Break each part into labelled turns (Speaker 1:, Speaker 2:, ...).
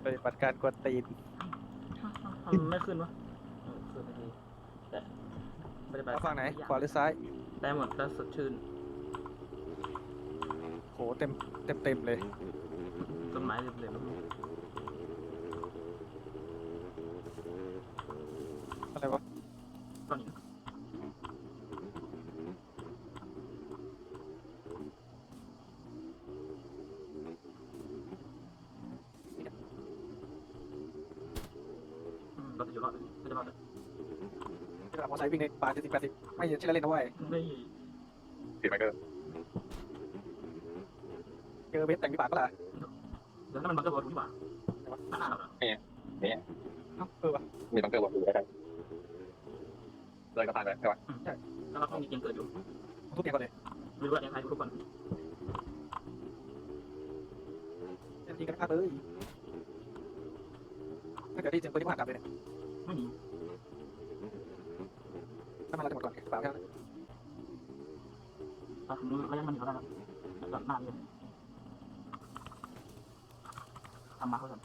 Speaker 1: ฏิบัติการกวนตีน
Speaker 2: ทำไม่ขึ้นวะขึ้นไม่ดีแต่ปฏิบัติ
Speaker 1: เอา
Speaker 2: กา
Speaker 1: ฝั่
Speaker 2: รง
Speaker 1: ไหน
Speaker 2: ทุกอย่
Speaker 1: ขวาหรือซ้าย
Speaker 2: ได้หมดแล้วสดชื่น
Speaker 1: โหเต็มเลย
Speaker 2: ต้นไม้เรียบๆลูก
Speaker 1: อะไรวะ
Speaker 2: ๆต้นหินเราจะอยู่รอดเลยเราจะรอดเลย
Speaker 1: ที่เรามอไซค์วิ่งในป่า70-80ไม่ใช่เล่นนะเว้ย
Speaker 2: ไม่
Speaker 3: ผิดไหมเกอร์
Speaker 1: เจอเบสแต่งวิบากก็ล่ะ
Speaker 2: เดี๋ยวนั่นมันบังเกอร์บอลถูกที่หว่านั่นน่ะเหรอ
Speaker 1: เอ้าวะ
Speaker 3: มีบังเกอร์วางอยู่ใกล้ๆเลยก็ผ่านไปใช่ไหม
Speaker 2: ใช่แล้วเราต้องมีเกมเกิดอยู่
Speaker 1: ทุบเตียงก่อนเลย
Speaker 2: ไม่รู้ว่ายังไงทุกคน
Speaker 1: ยิงกันพลาดเลยถ้าเกิดได้ยินเสียงปืนที่ผ่านกลับเลยเนี่ย
Speaker 2: ไม่มี
Speaker 1: ถ้ามันเราจะหมดก่อนเปล่าแค่นั้น
Speaker 2: เราถึงระยะมันอยู่แล้วนะครับแบบหน้าเลยทำมาเขาสั่น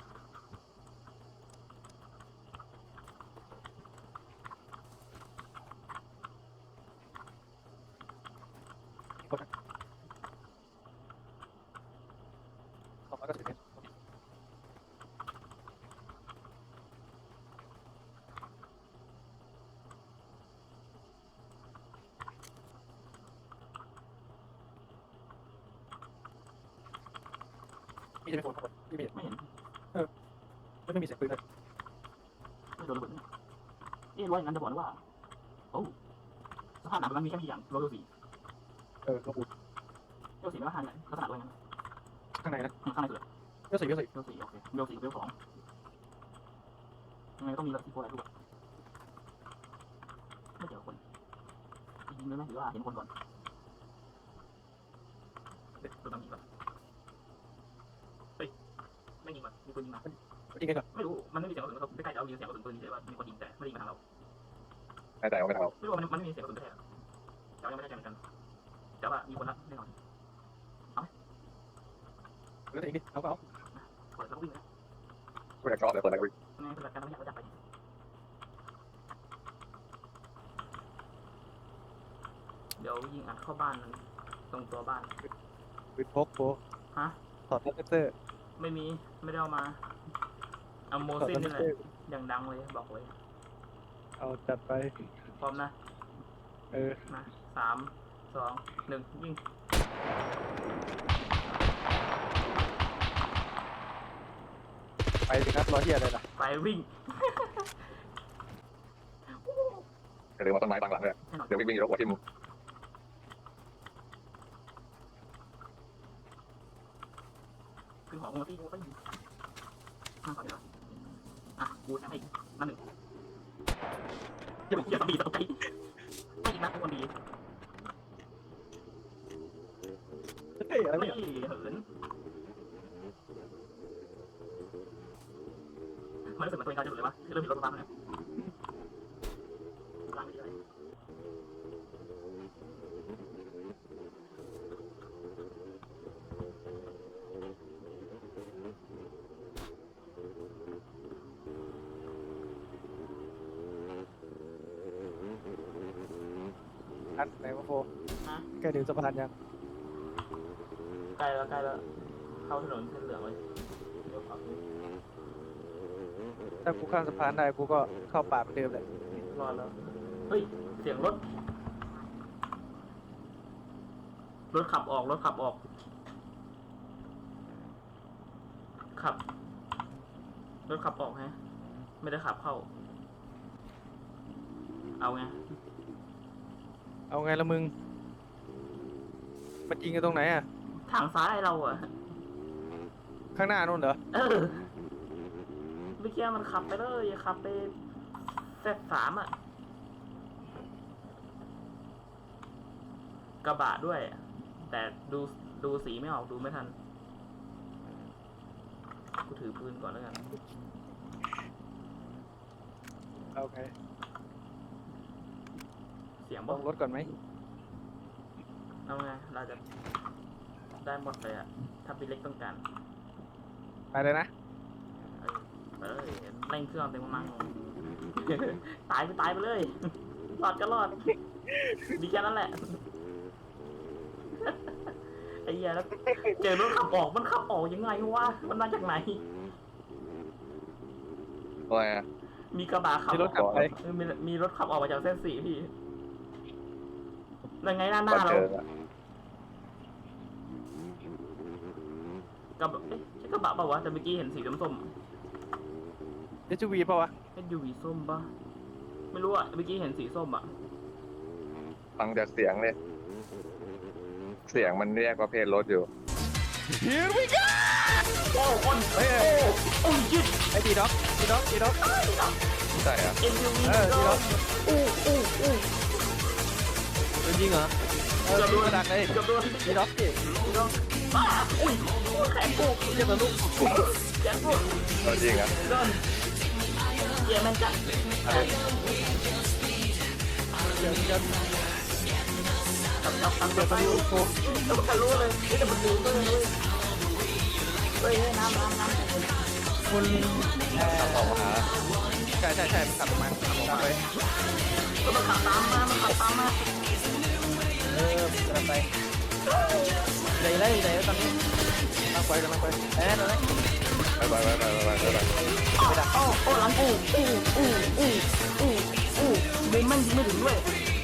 Speaker 1: 290 เมตรมีจะเป็นคนที่มี
Speaker 2: ไม่เห็น
Speaker 1: ไม่มีเสียงปืนเลย
Speaker 2: ไม่โดนระเบิดว่าอย่างนั้นจะบอกว่าโอ้สภาพหนักมันมีแค่ไม่กี่อย่างโรลสี่
Speaker 1: กระปุก
Speaker 2: โรลสี่ไม่ว่าห้าเนี่ยลักษณะด้วยงั้น
Speaker 1: ข้างในนะ
Speaker 2: ข้างในสุด
Speaker 1: เยอะสิ
Speaker 2: โรลสี่โอเคโรลสี่โรลสองยังไงต้องมีระดับที่โคอะไรด้วยไม่เจอคนยิงเลยไหมหรือว่าเห็นคนก่อนตัวตั้งยิงก่อนเฮ้ยไม่ยิงมันมีคนยิงมา
Speaker 1: จริงกันก่อน
Speaker 2: ไม่รู้มันไม่มีเสียงกระสุนเขาใกล้ๆเรายิงเสียงกระสุนปืนเฉยว่ามีคนยิงแต่ไม่ได้ยิงมาทางเรา
Speaker 3: แน่ใจว่าไม่ทำเรา
Speaker 2: ไม่รู้ว่ามันไม่มีเสียงกระสุนแท้แต่ยังไม่ได้ใจเหมือนกันแต่ว่ามีคนละแน่นอน
Speaker 1: เหลือแต่อีกนิดเอา
Speaker 2: เปิดแล้วก็วิ่งเลย
Speaker 3: ไม่อยากชอบเลยเปิดอะไรก็วิ่ง
Speaker 2: ทำไมปฏิบัติการไม่อยากจะไปเดี๋ยวยิงอัดเข้าบ้านมันตรงตัวบ้าน
Speaker 1: ปืนพกโฟ
Speaker 2: ฮะ
Speaker 1: ถอดเลเซอร์
Speaker 2: ไม่มีไม่ได้เอามาเอาโม
Speaker 1: ถอด
Speaker 2: ซิน
Speaker 1: เล
Speaker 2: นี่แห
Speaker 1: เซ
Speaker 2: ละ
Speaker 1: อร์
Speaker 2: อย่างดังเลยบอกเลย
Speaker 1: เอาจัดไป
Speaker 2: พร้อมนะ มา3 2 1ยิง
Speaker 1: ไปสิครับรอเฮียอะไรล่ะ
Speaker 2: ไปวิ่ง
Speaker 3: อย่าลืมว่าต้นไม้บางหลังเลย
Speaker 2: แน่นอน
Speaker 3: เดี๋ยววิ่งอยู่รถหัวทิ่ม
Speaker 2: ขึ้นหัวโมซินกูก็ยิงนั่งก่อนเดี๋ยวอ่ะกูจะให้นั่นหนึ่งอย่าไปเกี่ยวกับบีตกใจไม่ยิงนะทุกคนดี
Speaker 1: เฮ้ยอะไร
Speaker 2: ไม่
Speaker 1: เนี่ย
Speaker 2: เหินมันรู้สึกเหมือนตัวเองกำลังจะหลุดเลยวะเริ่มมีรถมาบ้างแล้วล้างไม่ได้
Speaker 1: อันไหนวะโฟ
Speaker 2: ฮะ
Speaker 1: ใกล้ถึงสะพานยัง
Speaker 2: ใกล้แล้วเข้าถนนเส้นเหลืองเลยเดี๋ยวขับ
Speaker 1: ถ้ากูข้ามสะพานได้กูก็เข้าป่าเหมือนเดิมแหละ
Speaker 2: รอดแล้วเฮ้ยเสียงรถขับออกขับรถขับออกฮะไม่ได้ขับเข้าเอาไง
Speaker 1: เอาไงละมึงมันยิงกันตรงไหนอ่ะ
Speaker 2: ทางซ้ายเราอะ
Speaker 1: ข้างหน้านู่นเหรอ
Speaker 2: เออเมื่อกี้มันขับไปเลยขับไปZ3อะกระบะด้วย แต่ดูสีไม่ออกดูไม่ทันกูถือปืนก่อนแล้วกัน
Speaker 1: เอาไง
Speaker 2: เสียง
Speaker 1: ล
Speaker 2: บอก
Speaker 1: งรถก่อนไหม
Speaker 2: เอาไงเราจะได้หมดเลยอะถ้าพี่เล็กต้องการ
Speaker 1: ไปเลยนะ
Speaker 2: เออเร่งเครื่องเต็มกำลังตายไปเลยรอดก็รอดดีแค่นั้นแหละไอ้เหี้ยแล้วเจอรถขับออกมันขับออกยังไงวะมันมาจากไหน
Speaker 3: อะไรอ่ะ
Speaker 2: มีกระบะขับ
Speaker 1: มีรถขับไป
Speaker 2: มีรถขับออกมาจากเส้นสี่พี่ยังไงหน้า
Speaker 3: มา
Speaker 2: เรา
Speaker 3: เจออะ
Speaker 2: กระบะใช่กระบะเปล่าวะแต่เมื่อกี้เห็นสีส้ม
Speaker 1: เอชวีป่าวะ
Speaker 2: SUV ส้มปะไม่รู้อ่ะเมื่อกี้เห็นสีส้มอ่ะ
Speaker 3: ฟังจากเสียงเลยเสียงมันเรียกประเภทรถอยู่
Speaker 1: Here we go
Speaker 2: โอ้คน
Speaker 1: เฮ้ย
Speaker 2: โอ้ยืด
Speaker 1: ไอ้ดีด็อกดีด็อกดีด็อก
Speaker 3: ใช่อ่ะ
Speaker 2: SUV
Speaker 1: ดีด็อก
Speaker 2: อู้
Speaker 1: จริงเหรอเกือบโดนดักเลย
Speaker 2: เกือบโดน
Speaker 1: ดีด็อกสิ
Speaker 2: ป้าอุ้ยแขนกู
Speaker 1: เรียกตัวลูก
Speaker 2: แขนกู
Speaker 3: เอาจริงอ่ะ
Speaker 2: โดนเยี่ยมแม่นจัด
Speaker 3: อะไร
Speaker 1: เดี๋ยวจะ
Speaker 2: ทำ
Speaker 1: เดี๋ยว
Speaker 2: ไป
Speaker 1: ตัวลูกกู
Speaker 2: แล้วมันทะลุเลยนี่แต่มันดูก็เลยเฮ้ยน้ำ
Speaker 1: คุณ
Speaker 3: ออกมาหา
Speaker 1: ใช่มันขับมาตามไป
Speaker 2: ก็มันขับตามมามันขับตามมา
Speaker 1: กำลังไปไหนตอนนี้กำลังไปตอนนี้
Speaker 3: ไป
Speaker 2: ไม่ดักโอ้หลังมึงมันยิงไม่ถึงด้วย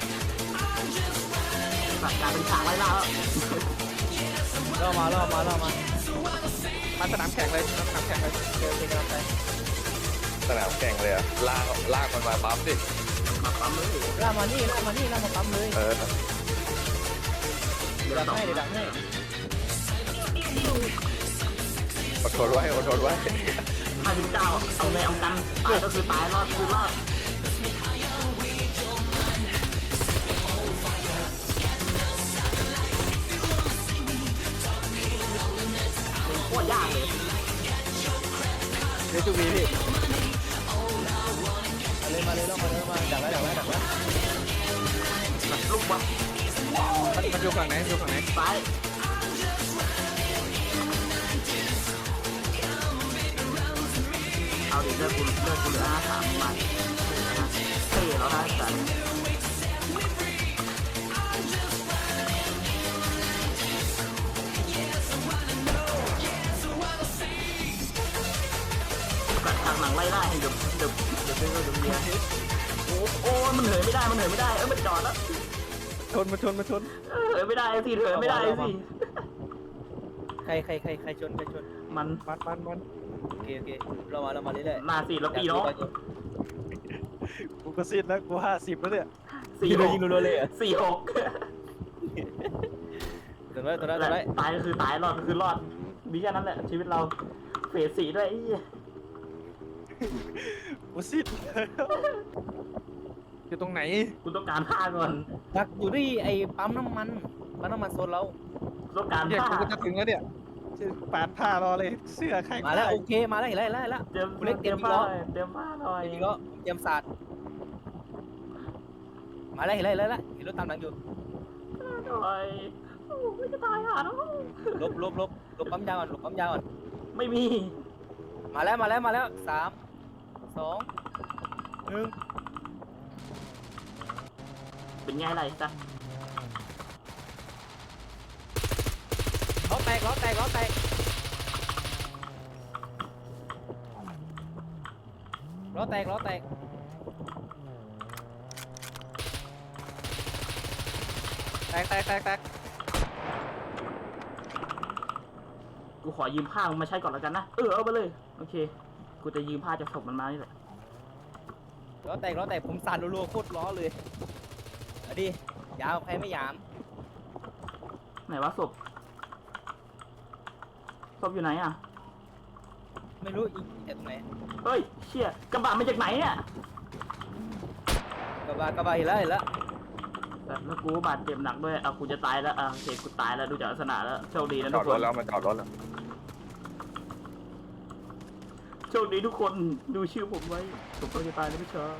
Speaker 2: แบบการเป็นฉากไล่ล่าแล้ว
Speaker 1: ล่อมามาสนามแข่งเลยสนามแข่งเลยเดี๋ยวกำลังไป
Speaker 3: สนามแข่งเลยอ่ะลากมันมาปั๊มสิ
Speaker 2: มาปั๊มเลย
Speaker 1: ล่ามานี่ล่ามาปั๊มเลย
Speaker 3: เออ
Speaker 1: เดี๋ยวดักให้
Speaker 3: อดทนไว้
Speaker 2: 59เอาไงเอากันตายก็คือตายรอดคือรอดโคตรยากเลย
Speaker 1: เดี๋ยวจูบีพี่มาเลยดักแล้ว
Speaker 2: ลูกบอล
Speaker 1: มันอยู่ฝั่งไหน
Speaker 2: ซ้ายเอาดิเลือกกูเหลือ53มาเท่แล้วนะสันกัดทางหลังไล่ได้เดี๋ยวเบียร์โอ้มันเหนื่อยไม่ได้มันจอดแล้ว
Speaker 1: ชน
Speaker 2: เหินไม่ได้สิเหินไม่ได้สิ
Speaker 1: ใครชน
Speaker 2: มัน
Speaker 1: โอเคเรามาเรื่อย
Speaker 2: มาสิแล้วปีน้อง
Speaker 1: กูก็สิ้นแล้วกู50แล้วเนี่ย
Speaker 2: 46เลย46
Speaker 1: ตัวนั้น
Speaker 2: ตายก็คือตายรอดก็คือรอดมีแค่นั้นแหละชีวิตเราเฟส4ด้วยไอ้เหี้ย
Speaker 1: กูสิ้นอยู่ตรงไหน
Speaker 2: กูต้องการผ้าก่อน
Speaker 1: ดักอยู่ที่ไอ้ปั๊มน้ำมันโซนเรา
Speaker 2: กูต้องการ
Speaker 1: เนี่ย
Speaker 2: ผ้า
Speaker 1: กูจะถึงแล้วเนี่ยปาดผ้ารอเลยเสื้อใครมาแล้วโอเคมาแล้วเห็นแล้ว
Speaker 2: เตรียม
Speaker 1: กูเล็กเตรียม
Speaker 2: ผ้า
Speaker 1: ล้อ
Speaker 2: เตรียมผ้าหน่อย
Speaker 1: จริงก็เตรียมศาสตร์มาแล้วเห็นรถตามหลังอยู่
Speaker 2: หน่อยโอ้ไม่จะตายห่าแล้ว
Speaker 1: ลบปั๊มยาวก่อน
Speaker 2: ไม่มี
Speaker 1: มาแล้ว3 2 1
Speaker 2: เป็นไงไรจ๊ะ
Speaker 1: ล้อแตกแตกแตก
Speaker 2: กูขอยืมผ้ามึงมาใช้ก่อนแล้วกันนะเอาไปเลยโอเคกูจะยืมผ้าจากศพมันมานี่แหละ
Speaker 1: ล้อแตกผมสั่นรัวๆโคตรล้อเลยเอาดิยาวใครไม่หยาม
Speaker 2: ไหนวะศพอยู่ไหนอ่ะ
Speaker 1: ไม่รู้อีกแต่ตรงไหน
Speaker 2: เฮ้ยเชี่ยกระบะมาจากไหนเนี่ย
Speaker 1: กระบะเห็นแล้ว
Speaker 2: แบบแล้วกูบาดเจ็บหนักด้วยกูจะตายแล้วโอเคกูตายแล้วดูจากลักษณะแล้วโชคดีนะ
Speaker 3: จ
Speaker 2: ทุ
Speaker 3: อก ด
Speaker 2: ค
Speaker 3: รถ
Speaker 2: น
Speaker 3: แล้วมันจอดรถแล้ว
Speaker 2: โชคดีทุกคนดูชื่อผมไว้ผมก็จะตายแล้วพี่ชาย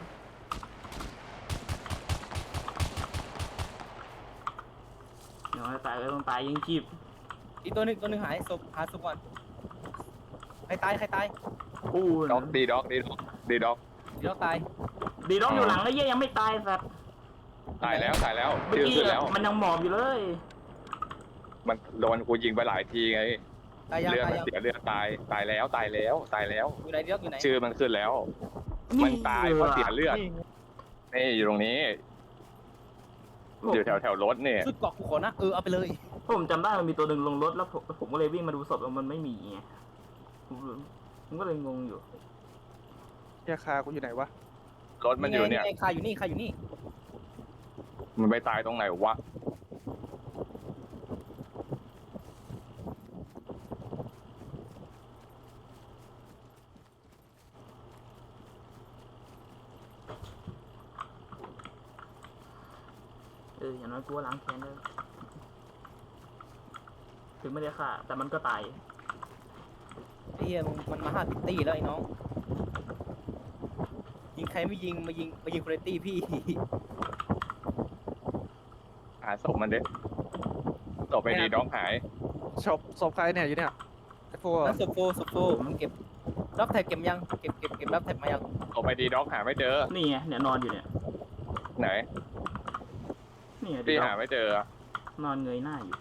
Speaker 2: เดี๋ยวตายก็ต้องตายยิงจีบ
Speaker 1: อีกตัวหนึ่งหายศพหาศพก่อนใครตาย
Speaker 2: อู้
Speaker 3: ด็อกดีด็อกดีด็อกดีด็อก
Speaker 1: เดี๋ยวตาย
Speaker 2: ดีด็อกอยู่หลังไอ้เหี้ยยังไม่ตายสัตว์
Speaker 3: ตายแล้ว
Speaker 2: เมื่อ
Speaker 3: ชื่อ
Speaker 2: กี้
Speaker 3: ขึ้นแล้ว
Speaker 2: มันยังหมอบอยู่เลย
Speaker 3: มันโดนกูยิงไปหลายทีไง
Speaker 1: ตายยัง
Speaker 3: เลือด
Speaker 1: ตาย
Speaker 3: มัน
Speaker 1: ยัง
Speaker 3: เสียเลือดตายแล้ว
Speaker 1: อยู่ไหนเดี๋ยวอยู่ไหน
Speaker 3: ชื่อมันขึ้นแล้ว มันตายเพราะเสียเลือด
Speaker 1: นี่
Speaker 3: นี่อยู่ตรงนี้ อยู่แถวรถนี่
Speaker 1: ชุดเกาะกูขอนะเอาไปเลย
Speaker 2: ผมจำได้มันมีตัวหนึ่งลงรถแล้วผมก็เลยวิ่งมาดูศพแล้วมันไม่มีไงผมก็เลยงงอยู่
Speaker 1: เฮียคากูอยู่ไหนวะ
Speaker 3: รถมันอยู่เนี่ย
Speaker 1: ไงคาอยู่นี่คาอยู่นี่
Speaker 3: มันไปตายตรงไหนวะ
Speaker 2: อย่างน้อยกูว่าล้างแค้นได้ถึงไม่ได้ฆ่าแต่มันก็ตาย
Speaker 1: ไอ้เฮียมันมา5ตีแล้วไอ้น้องยิงใครไม่ยิงมายิงคุณตี้พี่
Speaker 3: หาศพมันดิศพไปดีด็อกหาย
Speaker 1: ศพใครเนี่ยอยู่เนี่ยไอ้โฟนั่นศพโฟมันเก็บรับแท็กเก็บยังเก็บรับแท็กมายัง
Speaker 3: ศพไปดีด็อกหาไม่เจอ
Speaker 2: นี่ไงเนี่ยนอนอยู่เนี่ย
Speaker 3: ไหน
Speaker 2: นี่ไง
Speaker 3: พี่
Speaker 2: ด็อก
Speaker 3: หาไม่เจอ
Speaker 2: นอนเงยหน้าอยู่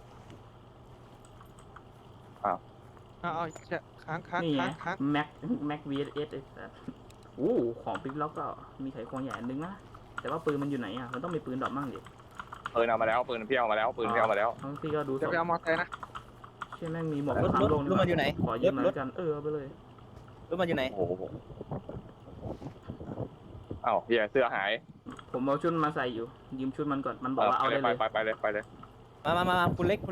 Speaker 1: เอาค้าง
Speaker 2: นี่ไงแม็กวีเอสไอ้สัสโอ้ของปิ๊กล็อกก็มีไขควงใหญ่อันนึงนะแต่ว่าปืนมันอยู่ไหนอ่ะมันต้องมีปืนดอกมั่งดิ
Speaker 3: ปืนเอามาแล้วปืนพี่เอามาแล้วปืนพี่เอามาแล้ว
Speaker 2: ทั้งที่ก็ดูศ
Speaker 1: จะ
Speaker 2: พ
Speaker 1: ไปเอามอเตอร์ไซค์นะ
Speaker 2: ใช่แม่งมีหมวก
Speaker 1: รถ
Speaker 2: สามลง
Speaker 1: รถมันอยู่ไหน
Speaker 2: ขอยืมหน่อย
Speaker 1: รถ
Speaker 2: แล้วกันเอาไปเลย
Speaker 1: รถมันอยู่ไหน
Speaker 3: โอ้โหเอ้าเฮียเสื้อหาย
Speaker 2: ผมเอาชุดมาใส่อยู่ยืมชุดมันก่อนมันบอกว่าเอาได้เลย
Speaker 3: ไปเลย
Speaker 1: มาคุณเล็ก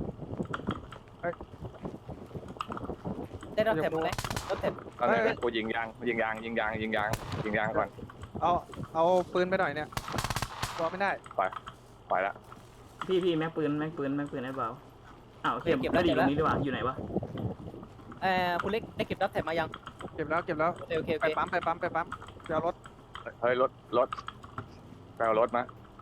Speaker 1: ได้รับแท็กไหมรับแท็ก
Speaker 3: ตอนนี้กูยิงยางก่อน
Speaker 1: เอาปืนไปหน่อยเนี่ยตัวไม่ได้
Speaker 3: ไปละ
Speaker 2: พี่แม็กปืนให้เบาอ้าวเก็บไม่ได้อยู่ตรงนี้ดีกว่าอยู่ไหนวะ
Speaker 1: คุณเล็กได้เก็บรับแท็กมายังเก็บแล้วโอเคไปปั๊มไปเอารถ
Speaker 3: เฮ้ยรถไปเอารถมา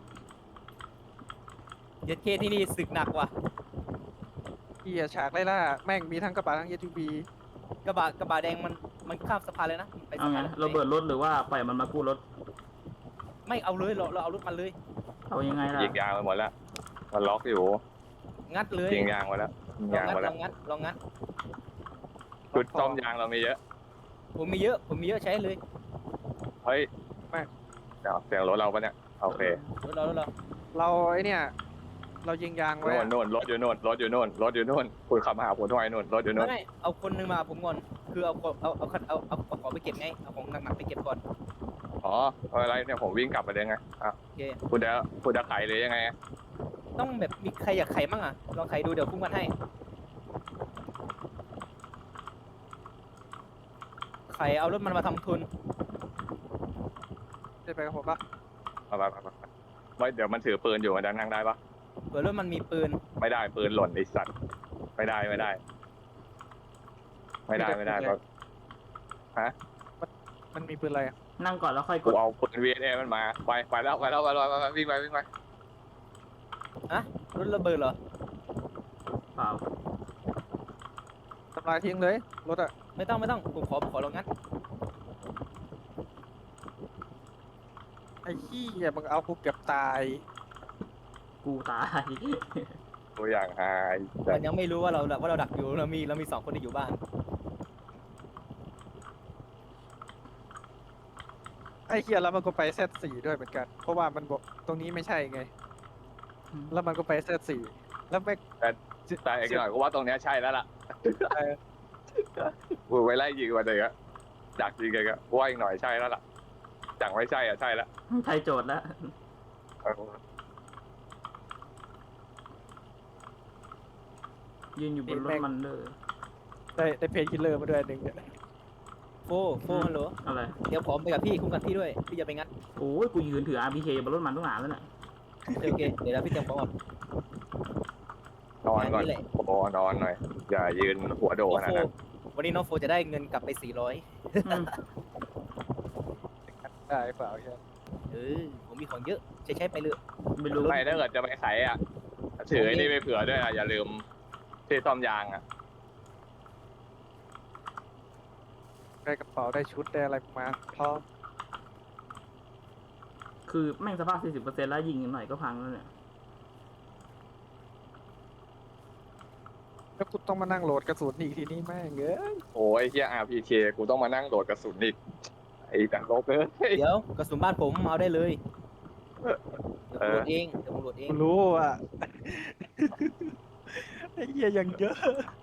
Speaker 1: เย็ดเคที่นี่ศึกหนักว่ะเฮียฉากไล่ล่าแม่งมีทั้งกระบะทั้ง SUV กระบะแดงมันข้ามสะพานเลยนะไป
Speaker 2: เอา
Speaker 1: สะ
Speaker 2: ไง
Speaker 1: พาน
Speaker 2: เราเบิดรถหรือว่าปล่อยมันมากู้รถ
Speaker 1: ไม่เอาเลยเราเอารถมันเลย
Speaker 2: เอายังไงล่ะ
Speaker 3: ยิงยางไปหมดแล้วมันล็อกอยู่
Speaker 1: งัดเลย
Speaker 3: ยิงยางไปแล้วยิง
Speaker 1: ลอง
Speaker 3: ยางไปแล้ว
Speaker 1: งัด
Speaker 3: ชุดซ่อมยางเรามีเยอะ
Speaker 1: ผมมีเยอะใช้เลย
Speaker 3: เฮ้ยเดี๋ยวเสียงรถเราปะเนี่ยโอเค
Speaker 1: รถเราไอเนี่ยเรายิงยางไว้
Speaker 3: โน่นรถอยู่โน่นคุณขับมาหาผมทำไมโน่นรถอยู่โน่น
Speaker 1: ไม่เอาคนนึงมาผมก่อนคือเอาของไปเก็บไงเอาของหนักๆไปเก็บก่อน
Speaker 3: อ๋ออะไรเนี่ยผมวิ่งกลับไปเลยไงอ่ะ
Speaker 1: โอเค
Speaker 3: คุณจะไขหรือยังไง
Speaker 1: ต้องแบบมีใครอยากไขมั่งอ่ะลองไขดูเดี๋ยวพุ่งกันให้ไขเอารถมันมาทำทุนได้ไปกับผมปะ
Speaker 3: ไปไม่เดี๋ยวมันถือปืนอยู่มันจะนั่งได้ปะ
Speaker 1: เผื่อรถมันมีปืน
Speaker 3: ไม่ได้ปืนหล่นไอสัตว์ไม่ได้ก็ฮะ
Speaker 1: มันมีปืนอะไรอ่ะ
Speaker 2: นั่งก่อนแล้วค่อยก
Speaker 3: กู
Speaker 2: ด
Speaker 3: เอาปืน VNA มันมาไปแล้ววิ่งไป
Speaker 1: รถระเบิดเหรอ
Speaker 2: เปล่า
Speaker 1: ทำลายทิ้งเลยรถอ่ะไม่ต้องผมขอลองงัดไอ้ขี้ยมึงเอากูเกือบตาย
Speaker 2: กูตาย
Speaker 3: ตัวอย่างหาย
Speaker 1: มันยังไม่รู้ว่าเราดักอยู่เรามี2 คนที่อยู่บ้านไอ้เฮียแล้วมันก็ไปเซต4ด้วยเหมือนกันเพราะว่ามันบอกตรงนี้ไม่ใช่ไง แล้วมันก็ไปเซต4แล้วไม่
Speaker 3: แต่อีกหน่อยกูว่าตรงเนี้ยใช่แล้วล่ะกูไปไล่ยิงมาเลยอะดักยิงเลยอะว่าอีกหน่อยใช่แล้วล่ะจังไม่ใช่อ่ะใช่แล้ว
Speaker 2: ไทยโจทย์แล้วยืนอยู่บนรถมันเลย
Speaker 1: ได้เพจคิลเลอร์มาด้วย1เนี่ยโฟฮัลโหล
Speaker 2: อะไร
Speaker 1: เดี๋ยวผมไปกับพี่คุ้มกันพี่ด้วยพี่จะไปงัด
Speaker 2: โอ้ยกูยืนถือ RPK บนรถมันตั้งนานแล้วน่ะ
Speaker 1: โอเคเดี๋ยวพี่เตรียมของก่อน
Speaker 3: นอนก่อนโอ้นอนหน่อยอย่ายืนหัวโดขนาดนั้น
Speaker 1: วันนี้น้องโฟจะได้เงินกลับไป400ได้เปล่าใช่ผมมีของเยอะใช้ไปเลย
Speaker 2: ไม่รู้
Speaker 3: ไม่ถ้าเกิดจะไปไขอ่ะถือไอ้นี่ไปเผื่อด้วยอ่ะอย่าลืมที่ซ่อมยางอ่ะ
Speaker 1: ได้กระเป๋าได้ชุดได้อะไรมาพร้อม
Speaker 2: คือแม่งสภาพ 40%แล้วยิงหน่อยก็พังแล้วเนี่ย
Speaker 1: แล้วกูต้องมานั่งโหลดกระสุนอีกทีนี้แม่งเอ้ย
Speaker 3: โอ้ยเฮีย RPK กูต้องมานั่งโดดกระสุนอีกไอ้แต่ลบเลย
Speaker 4: เดี๋ยวกระสุนบ้านผมเอาได้เลยเดี๋ยว
Speaker 3: เอ
Speaker 4: ผมโหล
Speaker 3: อ
Speaker 4: ดเองเดี๋ยวผมโหลดเอง
Speaker 1: กูรู้อ่ะ ไอ้เหี้ยยังเยอะ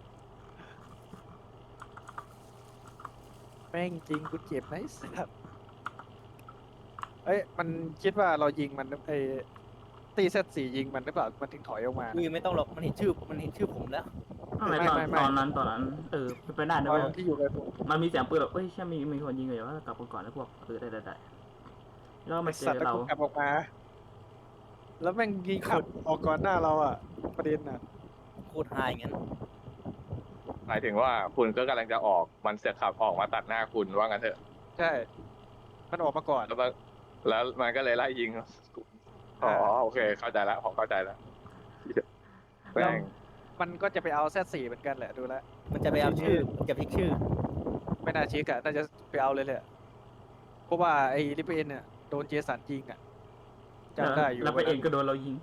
Speaker 1: แม่งจริงกูเจ็บนะไอ้สัสเอ้ยมันคิดว่าเรายิงมันไอ้ตีเซตสี่ยิงมันหรือเปล่ามันถึงถอยออกมา
Speaker 4: อุ้ยไม่ต้องหรอกมันเห็นชื่อผมแล้ว
Speaker 2: อะไร
Speaker 1: ไม่
Speaker 2: ตอนนั้นเป็นไปได้
Speaker 1: ต
Speaker 2: นะ
Speaker 1: อ
Speaker 2: เว้ย
Speaker 1: นที่อยู่กับผม
Speaker 2: มันมีเสียงปืนแบบเอ้ยเชื่อมีคนยิงเลยว่ากลับก่อนแล้วพวกได้แล้วมา
Speaker 1: ไอ้
Speaker 2: เจ
Speaker 1: สัต
Speaker 2: อ
Speaker 1: ว์แล้ว
Speaker 2: เรา
Speaker 1: กูกลับออกมา แล้วแม่งยิงขับออกก่อนหน้าเราอ่ะ ประเด็นอ่ะ
Speaker 4: โคตรไฮงั้น
Speaker 3: หมายถึงว่าคุณก็กำลังจะออกมันเสือกขับออกมาตัดหน้าคุณว่างั้นเถอะ
Speaker 1: ใช่ มันออกมาก่อน
Speaker 3: แล้วมันก็เลยไล่ยิงอ๋อโอเคเข้าใจแล้วผมเข้าใจแล้วแม่ง
Speaker 1: มันก็จะไปเอาเซตสี่เหมือนกันแหละดูแล้ว
Speaker 4: มันจะไปเอาชื่อมันจะพลิกชื่อ
Speaker 1: ไม่น่าเช็คอะน่าจะไปเอาเลยแหละเพราะว่าไอ้ลิเบนเนี่ยโดนเจสันยิงอะจำได้อยู่
Speaker 2: แล้วไปเองก็โดนเรายิง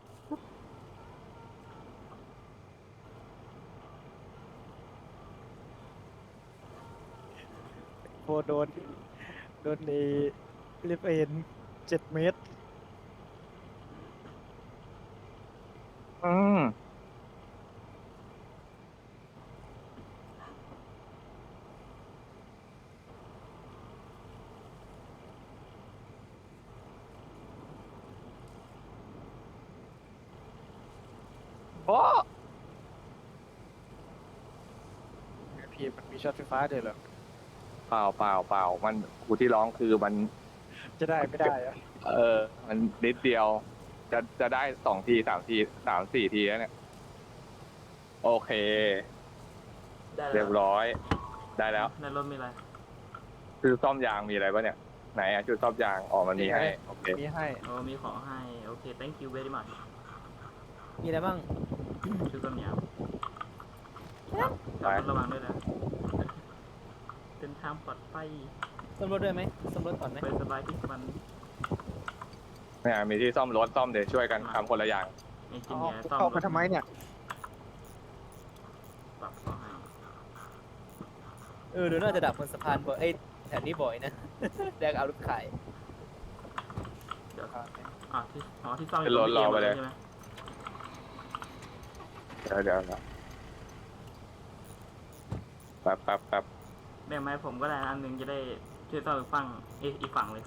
Speaker 1: โคโดนในลิเบน7 เมตร
Speaker 3: อืม
Speaker 1: โอ้พี่มันมีช็อตไฟฟ้าด้วยเหรอ
Speaker 3: เปล่ามันกูที่ร้องคือมัน
Speaker 1: จะได้ไม่ได้อะ
Speaker 3: มันนิดเดียว จะได้2 ที 3 ที 3 4 ทีแล้วเนี่ยโอเค
Speaker 2: ได้
Speaker 3: เรียบร้อย ได้แล้ว
Speaker 2: ในรถมีอะไร
Speaker 3: คือซ่อมยางมีอะไรปะเนี่ยไหนอะชุดซ่อมยางอ๋อมันมีให้โอเค
Speaker 1: มีให้
Speaker 2: โอ้มีของให้โอเค thank you very much
Speaker 4: มีอะไรบ้าง
Speaker 2: ชื่อต้นยาง
Speaker 3: ไป
Speaker 2: ระวังด้วยนะเดินทางปลอดภัย
Speaker 4: ซ่อมรถด้วยไหมซ่อมรถก่อนไหม
Speaker 2: ไปสบายที่มัน
Speaker 3: เนี่ยมีที่ซ่อมรถซ่อมเดี๋ยวช่วยกันทำคนละอย่าง
Speaker 2: ไอ้จิ
Speaker 1: เอา
Speaker 2: นเนี่ยซ่อม
Speaker 1: เข้ามาทำไมเนี่ย
Speaker 2: ปรับของให้
Speaker 4: เดี๋ยวน่าจะดับบนสะพานบ่อยแถวนี้บ่อยนะ แดกเอารถขาย
Speaker 2: เดี๋ยวที่ซ่อม
Speaker 3: เป็นรถรอไปเลย
Speaker 2: ใช่ไหม
Speaker 3: เดี๋ยวแป๊บ
Speaker 2: แบ่งมาให้ผมก็ได้นะอันหนึงจะได้ช่วยซ่อมอีกฝั่งเลย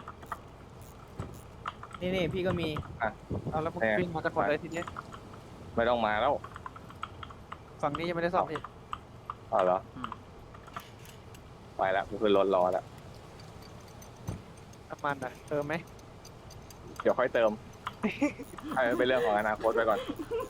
Speaker 4: นี่พี่ก็มี
Speaker 1: เอาแล้วมึงวิ่งมาจะกดอะไรทีนี้
Speaker 3: ไม่ต้องมาแล้ว
Speaker 1: ฝั่งนี้ยังไม่ได้ซ่อมพี่
Speaker 3: อ๋อเหรอ
Speaker 2: อืม
Speaker 3: ไปแล้วกูขึ้นรถรอแล้ว
Speaker 1: น้ำมันอ่ะเติมไหม
Speaker 3: เดี๋ยวค่อยเติม ให้มันเป็นเรื่องของอนาคตไปก่อน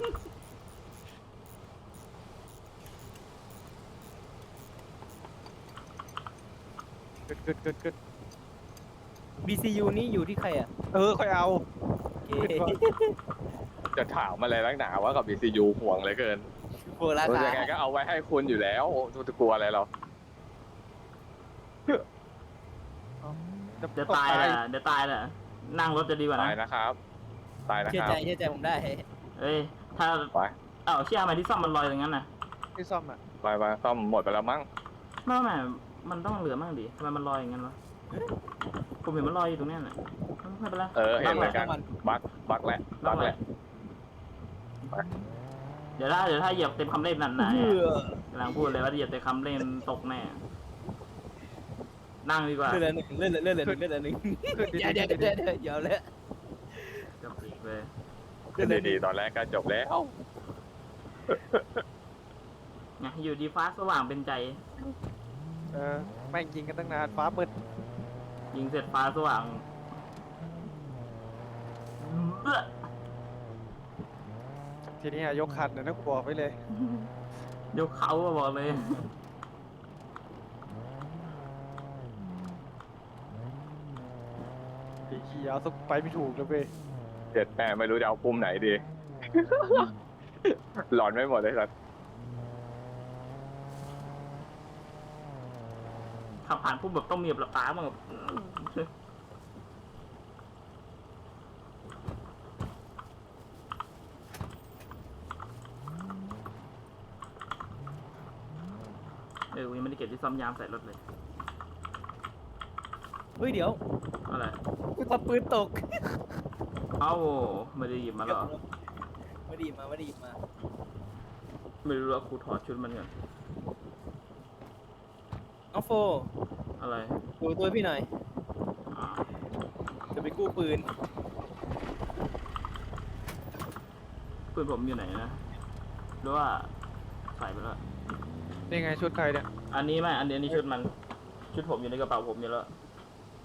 Speaker 1: ขึ้น
Speaker 4: BCU นี่อยู่ที่ใครอ่ะ
Speaker 1: ค่อยเอา
Speaker 4: โอเค
Speaker 3: จะถามอะไรนักหนาว่ากับ BCU ห่วงเหลยเกิน
Speaker 4: โบราณ
Speaker 3: ยังไงก็เอาไว้ให้คุณอยู่แล้วจะกลัวอะไรเรา
Speaker 2: เดี๋ยวตายแหละนั่งรถจะดีกว่า
Speaker 3: ตาย
Speaker 2: นะ
Speaker 3: นะครับ ตายนะ
Speaker 4: เชื่
Speaker 3: ค
Speaker 4: อ
Speaker 3: รับ
Speaker 4: ใจผมได้
Speaker 2: เอ้ยถ้า
Speaker 3: ไป
Speaker 2: เชื่อไหมที่ซ่อมมันลอยอย่างนั้นน่ะ
Speaker 1: ที่ซ่อมอ่ะ
Speaker 3: ไปซ่อมหมดไปแล้วมั้ง
Speaker 2: ไม่มันต้องเหลือมั่งดิทำไมมันลอยอย่างนั้นวะผมเห็นมันลอยอยู่ตรงเนี้ยน่ะไม่เป็นไร
Speaker 3: เห็นเหมือนกัน บักแหละ
Speaker 2: เดี๋ยวถ้าเหยียบเต็มคำเล่นนั่นนะ
Speaker 4: เพื่อก
Speaker 2: ำลังพูดเลยว่าเหยียบเต็มคำเล่นตกแน่นั่งดีกว่า
Speaker 4: เลื่อนหนึ่งเลื่อนหนึ่ง
Speaker 1: ขึ้น
Speaker 4: เดี๋ยวเลย
Speaker 2: กับปีกเลย
Speaker 3: ดีๆตอนแรกก็จบแล้ว
Speaker 2: ไงอยู่ดีฟ้าสว่างเป็นใจ
Speaker 1: แม่งยิงกันตั้งนานฟ้ามืด
Speaker 2: ยิงเสร็จฟ้าสว่างเบ้อ
Speaker 1: ทีนี้ยกคันนะกูบอกไว้เลย
Speaker 2: ยกเขาอะบอกเลย
Speaker 1: ไอ้ขี้ยาวสักไปไม่ถูกเลยเว้ย
Speaker 3: เจ็ดแม่ไม่รู้จะเอาปุ่มไหนดี หลอนไม่หมดเลยสัตว์
Speaker 2: ขับผ่านปุ๊บแบบต้องมีแบบป้าบ้างแบบกูยังไม่ได้เก็บที่ซ่อมยางใส่รถเลย
Speaker 4: เฮ้ยเดี๋ยว
Speaker 2: อะไร
Speaker 4: กูทำปืนตก
Speaker 2: เอ้าไม่ได้หยิบมาหรอ
Speaker 4: ไม่ไดีมาไม่ไดีมา
Speaker 2: ไม่รู้ว่าครูถอดชุดมันก่อน
Speaker 4: น้องโฟ
Speaker 2: อะไร
Speaker 4: ดูตัวพี่หน่อย
Speaker 2: อ่า
Speaker 4: จะไปกู้ปืน
Speaker 2: ปืนผมอยู่ไหนนะหรือว่าใส่ไปแล้ว
Speaker 1: นี่ไงชุดใครเนี่ย
Speaker 2: อันนี้ไม่อันนี้ชุดมัน ชุดผมอยู่ในกระเป๋าผมอยู่แล้ว